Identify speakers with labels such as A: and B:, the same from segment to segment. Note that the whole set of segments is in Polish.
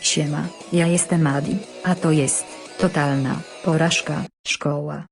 A: Siema, ja jestem Adi, a to jest totalna porażka szkoła.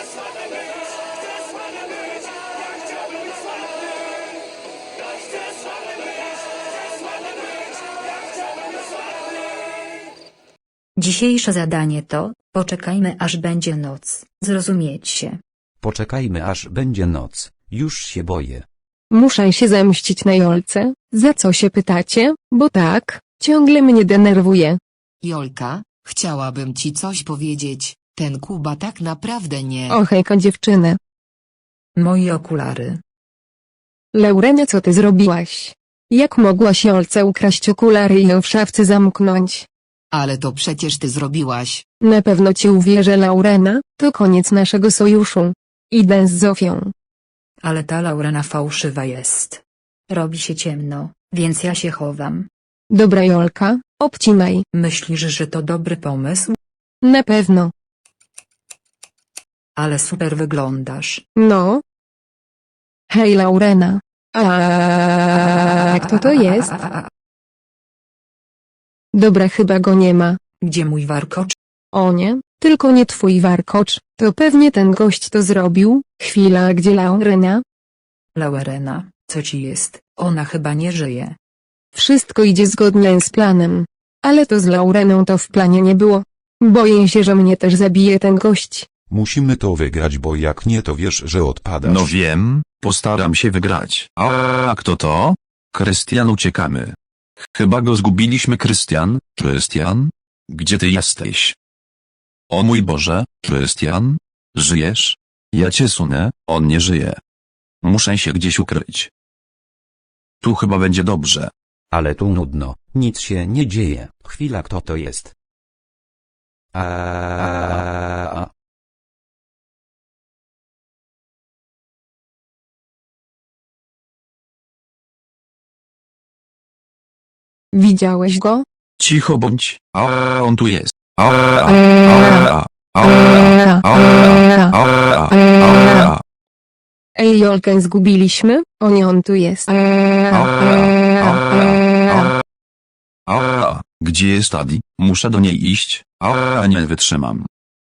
A: Dzisiejsze zadanie to: poczekajmy aż będzie noc, zrozumiecie?
B: Poczekajmy aż będzie noc, już się boję.
C: Muszę się zemścić na Jolce. Za co się pytacie? Bo tak, ciągle mnie denerwuje.
D: Jolka, chciałabym ci coś powiedzieć, ten Kuba tak naprawdę nie.
C: O hejko dziewczyny.
A: Moje okulary.
C: Laurenia, co ty zrobiłaś? Jak mogłaś Jolce ukraść okulary i ją w szafce zamknąć?
D: Ale to przecież ty zrobiłaś.
C: Na pewno ci uwierzę, Laurena, to koniec naszego sojuszu. Idę z Zofią.
A: Ale ta Laurena fałszywa jest. Robi się ciemno, więc ja się chowam.
C: Dobra Jolka, obcinaj.
A: Myślisz, że to dobry pomysł?
C: Na pewno.
A: Ale super wyglądasz.
C: No. Hej Laurena. A kto to jest? Dobra, chyba go nie ma.
A: Gdzie mój warkocz?
C: O nie, tylko nie twój warkocz, to pewnie ten gość to zrobił. Chwila, a gdzie Laurena?
A: Laurena, co ci jest? Ona chyba nie żyje.
C: Wszystko idzie zgodnie z planem. Ale to z Laureną to w planie nie było. Boję się, że mnie też zabije ten gość.
E: Musimy to wygrać, bo jak nie, to wiesz, że odpadasz.
F: No wiem, postaram się wygrać. A kto to? Krystian, uciekamy. Chyba go zgubiliśmy. Krystian, Krystian? Gdzie ty jesteś? O mój Boże, Krystian? Żyjesz? Ja cię sunę, on nie żyje. Muszę się gdzieś ukryć. Tu chyba będzie dobrze.
B: Ale tu nudno, nic się nie dzieje. Chwila, kto to jest?
C: Widziałeś go?
F: Cicho bądź. A on tu jest.
C: Ej Jolkę zgubiliśmy? O nie, on tu jest.
F: Gdzie jest Adi? Muszę do niej iść. Nie wytrzymam.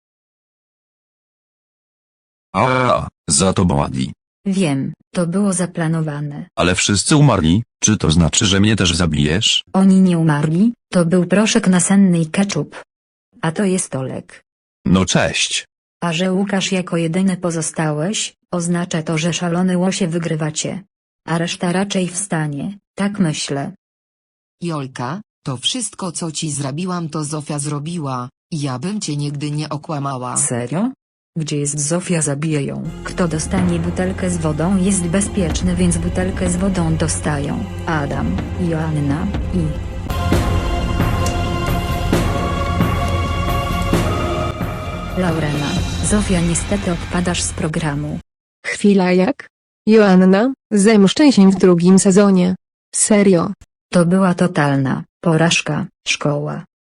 F: Za tobą Adi.
A: Wiem, to było zaplanowane.
F: Ale wszyscy umarli, czy to znaczy, że mnie też zabijesz?
A: Oni nie umarli, to był proszek nasenny i ketchup. A to jest Olek.
F: No cześć.
A: A że Łukasz jako jedyny pozostałeś, oznacza to, że szalony łosie wygrywacie. A reszta raczej wstanie, tak myślę.
D: Jolka, to wszystko co ci zrobiłam to Zofia zrobiła, ja bym cię nigdy nie okłamała.
A: Serio? Gdzie jest Zofia, zabiję ją. Kto dostanie butelkę z wodą jest bezpieczny, więc butelkę z wodą dostają Adam, Joanna i... Laurena. Zofia, niestety odpadasz z programu.
C: Chwila, jak? Joanna, zemszczę się w drugim sezonie. Serio.
A: To była totalna porażka szkoła.